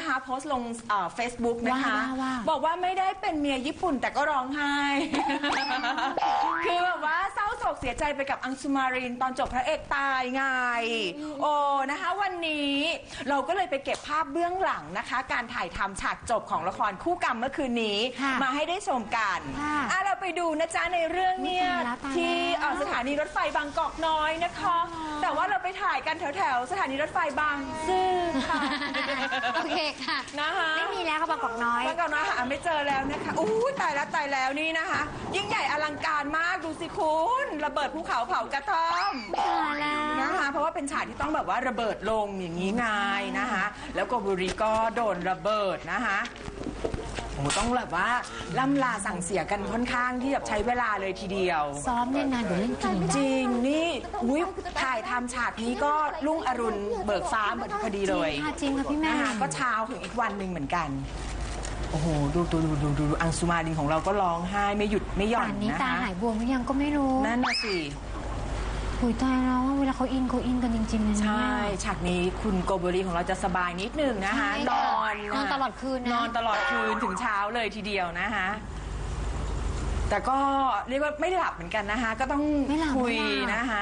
นะคะโพสต์ลงFacebook นะคะบอกว่าไม่ได้เป็นเมียญี่ปุ่นแต่ก็ร้องไห้ คือแบบว่าเศร้าโศกเสียใจไปกับอังสุมารินตอนจบพระเอกตายไงโอ้นะคะวันนี้เราก็เลยไปเก็บภาพเบื้องหลังนะคะการถ่ายทำฉากจบของละครคู่กรรมเมื่อคืนนี้มาให้ได้ชมกันเราไปดูนะจ๊ะในเรื่องเนี่ยที่สถานีรถไฟบางกอกน้อยนะคะแต่ว่าเราไปถ่ายกันแถวสถานีรถไฟบางซื่อค่ะโอเคค่ะนะคะไม่มีแล้วค่ะบางกอกน้อยบางกอกน้อยหาไม่เจอแล้วนะคะอู้ตายแล้วนี่นะคะยิ่งใหญ่อลังการมากดูสิคุณระเบิดภูเขาเผากระท่อมนะคะเพราะว่าเป็นฉากที่ต้องแบบว่าระเบิดลงอย่างนี้ไงนะคะแล้วโกบุริก็โดนระเบิดนะคะโอ้ต้องแบบว่าล่ำลาสั่งเสียกันค่อนข้างที่แบบใช้เวลาเลยทีเดียวซ้อมเนี่ยนานเดี๋ยวเล่นจริงนี่ถ่ายทำฉากนี้ก็รุ่งอรุณเบิกฟ้าเหมือนพอดีเลยจริงค่ะพี่แม่ก็เช้าถึงอีกวันหนึ่งเหมือนกันโอ้โหดูอังสุมารินของเราก็ร้องไห้ไม่หยุดไม่หย่อนนะคะตาหายบวมหรือยังก็ไม่รู้นั่นน่ะสิหุยตายแล้วเวลาเขาอินกันจริงๆเลยใช่ฉากนี้คุณโกโบริของเราจะสบายนิดนึงนะคะนอนตลอดคืนนอนตลอดคืนถึงเช้าเลยทีเดียวนะคะแต่ก็เรียกว่าไม่หลับเหมือนกันนะคะก็ต้องคุยนะคะ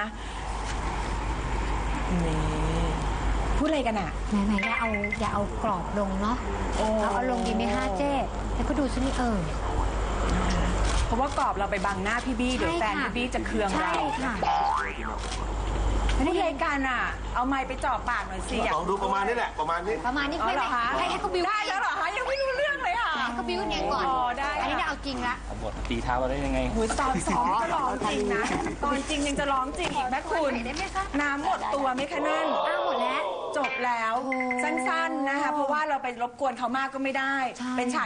นี่พูดอะไรกันอ่ะไหนอย่าเอากรอบลงเนาะเอาลงดีไหมฮะเจ๊แล้วก็ดูซินี่เพราะว่ากรอบเราไปบังหน้าพี่บี้เดี๋ยวแฟนพี่บี้จะเคืองเราใช่ค่ะพูดอะไรกันอ่ะเอาไม้ไปจ่อปากหน่อยสิลองดูประมาณนี้แหละประมาณนี้ไม่เหรอคะให้เขาบิ้วได้แล้วเหรอคะยังไม่รู้เรื่องเลยค่ะให้เขาบิ้วเนี่ยก่อนได้อันนี้เอาจริงละบทตีเท้าเราได้ยังไงตอนซ้อมก็ร้องจริงนะตอนจริงยังจะร้องจริงอีกแม่คุณน้ำหมดตัวไหมคะนั่นหมดแล้วจบแล้วสั้นๆนะคะเพราะว่าเราไปรบกวนเขามากก็ไม่ได้เป็นฉาก